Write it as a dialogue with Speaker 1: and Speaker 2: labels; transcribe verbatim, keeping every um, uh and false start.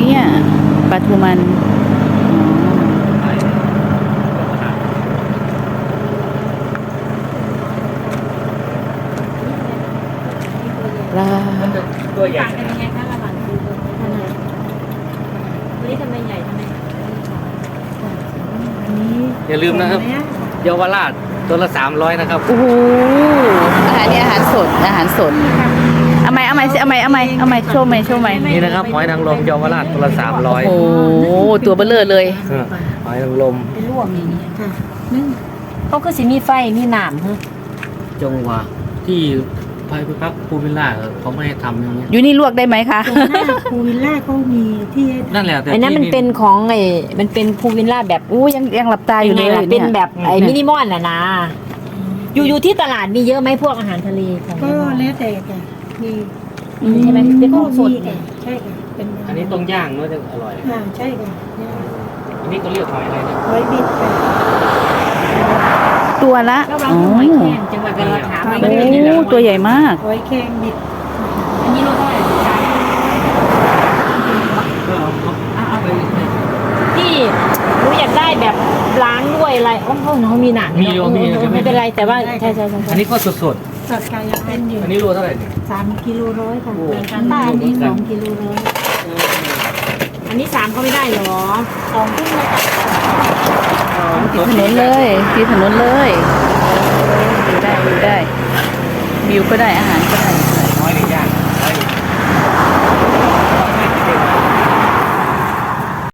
Speaker 1: เนี่ยปลาทูมันปลา
Speaker 2: ตัวใหญ่ต่างกันยังไงคะระหว่างปูกับขนาดตัวนี้ทำไมใหญ่ทำไม
Speaker 3: อย่าลืมนะครับเยาวราชตัวละสามร้อยนะครับ
Speaker 1: โอ้โหอาหารนี่อาหารสดอาหารสดเอาไหมเอาไหมเอาไหมเอาไหมเอาไหมโชว์ไหมโชว์ไหม
Speaker 3: นี่นะครับหอยนางรมเยาวราชตัวละสามร้อย
Speaker 1: โอ้โหตัวเบลเลอร์เลย
Speaker 3: หอยนางรม
Speaker 2: เป็นลวกอย่างนี้ค่ะเขาคือสิมีไฟมีหนามฮะ
Speaker 3: จงหวะที่พายพักภูวิลล่าเขาไม่ให้ทำอย่างเงี้ย
Speaker 1: อยู่นี่ลวกได้ไหมคะ
Speaker 4: ตรงหน้าภูวิลล่าก็มีที่
Speaker 3: นั่นแหละแต่
Speaker 2: ไอ้นั้นมันเป็นของไอ้มันเป็นพูวิลล่าแบบ
Speaker 1: อู้ยังยังหลับตาอยู่เลย
Speaker 2: งไงล่ะเป็น
Speaker 1: เนี่ย
Speaker 2: แบบไอ้มินิมอลน่ะนะอยู่อยู่ที่ตลาดมีเยอะไหมพวกอาหารทะเลของ
Speaker 4: ก็แล้วแต่ค่ะมี
Speaker 1: อืม
Speaker 2: ใช่ไหมเป็นของสด
Speaker 4: มี
Speaker 2: เนี่
Speaker 4: ค่ะ
Speaker 2: ย
Speaker 4: ใช่ค่ะเป็น
Speaker 3: อันนี้ต้องย่างเนาะจะอร่อย
Speaker 4: อ่าใช่ค่ะ
Speaker 3: อันนี้ก็เรียกหอยอะไรนะ
Speaker 4: หอยบิดค่ะ
Speaker 1: ตัวละ
Speaker 2: ก็เรา
Speaker 1: อ๋อ
Speaker 2: หอยแครงจังหวัดกาฬถาม
Speaker 1: โอ้ตัวใหญ่มาก
Speaker 4: หอยแครงบิด
Speaker 2: อันนี้เราเท่าไหร่สาม
Speaker 3: ก็เอาเอาเอาไป
Speaker 2: ที่หนูอยากได้แบบล้างด้วยอะไรโอ้โหเขามีหนัง
Speaker 3: มีโยมี
Speaker 2: ไม่เป็นไรแต่ว่าใช่ใช่ใช่
Speaker 3: อันนี้ก็สด
Speaker 4: สดกายเป็นอยู่
Speaker 3: ๆอันนี้โลเท่าไหร่เนี่ย
Speaker 4: สามกิโลร้อยค่ะ
Speaker 3: โอ้
Speaker 4: ป้าอันนี้สองกิโลร้อย
Speaker 2: อันนี้สามก็ไม่ได้เหรอ
Speaker 4: สองขึ้นมาค่ะ
Speaker 1: ติดถนนเลยติดถนนเลยดูได้ดูได้วิวก็ได้อาหารก็ได้